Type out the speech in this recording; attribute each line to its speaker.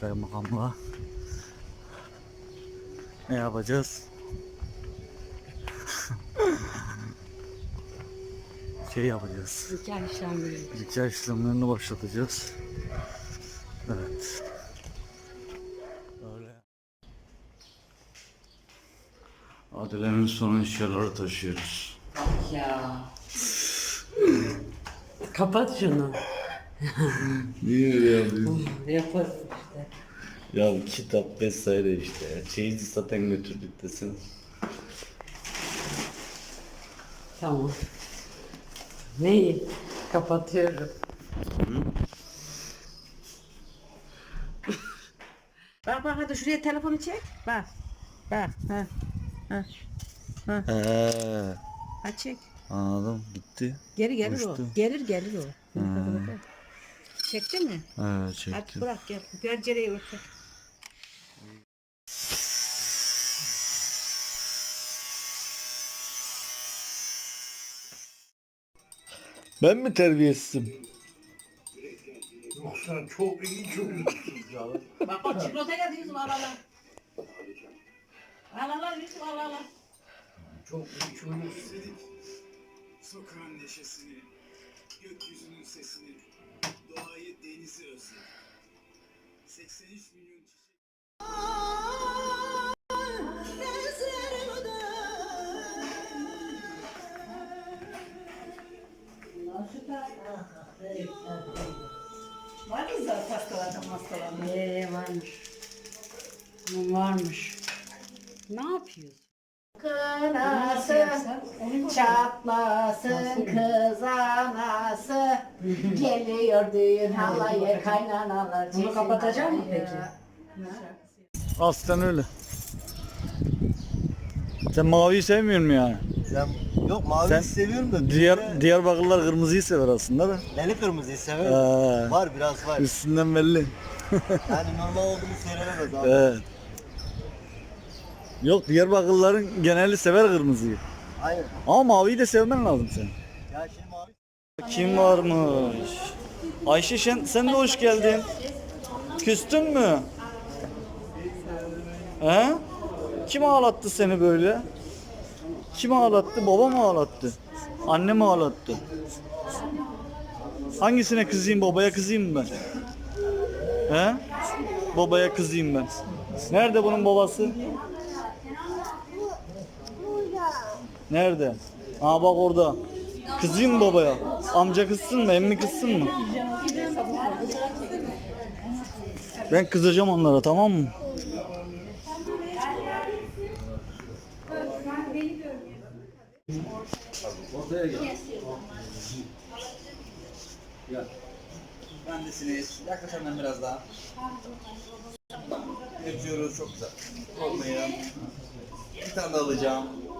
Speaker 1: kaymakamla. Ne yapacağız? Şey yapacağız. Nikah işlemlerini başlatacağız. Evet. Öyle. Adile'nin son eşyaları taşıyoruz.
Speaker 2: Ya. Kapat şunu.
Speaker 1: Niye öyle yapıyorsun?
Speaker 2: Yaparız işte.
Speaker 1: Ya kitap vesaire işte. Çeyizi zaten götürdük desin.
Speaker 2: Tamam. Neyi? Kapatıyorum. Bak bak hadi şuraya telefonu çek. Bak. Bak. Ha. Ha. Ha. Ha çek.
Speaker 1: Anladım. Gitti.
Speaker 2: Geri gelir
Speaker 1: Uçtu.
Speaker 2: o. Gelir o. Çekti mi?
Speaker 1: Evet
Speaker 2: Hadi
Speaker 1: çektim.
Speaker 2: bırak gel. Pencereyi ört.
Speaker 1: Ben mi terbiyesizim?
Speaker 3: Yok sen çok iyi çocuksun ya.
Speaker 2: Bak bak çikolataya diyorsun al al al. Al al al Yusuf al al al.
Speaker 3: Çok iyi çocuksun.
Speaker 4: Sokağın neşesini, gökyüzünün sesini, doğayı, denizi özledim. 83 milyon çiçek...
Speaker 2: Var mı zaten hastalarda? Varmış. Varmış. Ne yapıyorsun?
Speaker 5: Kınasın, çatlasın kız anası. Geliyor düğün halayı kaynanalar.
Speaker 2: Bunu kapatacak mı peki?
Speaker 1: Aslen öyle. Sen maviyi sevmiyor musun yani?
Speaker 6: Yok maviyi
Speaker 1: Sen
Speaker 6: seviyorum da
Speaker 1: Diyarbakırlılar kırmızıyı sever aslında da.
Speaker 6: deli kırmızıyı severim. Var biraz var.
Speaker 1: Üstünden belli.
Speaker 6: Yani normal olduğunu söylenemez abi.
Speaker 1: Evet. Yok Diyarbakırlıların geneli sever kırmızıyı.
Speaker 6: Aynen.
Speaker 1: Ama maviyi de sevmen lazım sen.
Speaker 6: Ya şimdi mavi
Speaker 1: Kim varmış? Ayşe sen de hoş geldin. Küstün mü? He? Kim ağlattı seni böyle? Kim ağlattı? Baba mı ağlattı? Anne mi ağlattı? Hangisine kızayım? Babaya kızayım mı ben? He? Babaya kızayım ben. Nerede bunun babası? Nerede? Aa bak orada. Kızayım mı babaya? Amca kızsın mı? Emmi kızsın mı? Ben kızacağım onlara, tamam mı?
Speaker 7: Ortaya gel. Gel. Bendesiniz. Yaklaş hemen biraz daha. Yapıyoruz çok güzel. Olmayın. Bir tane daha alacağım.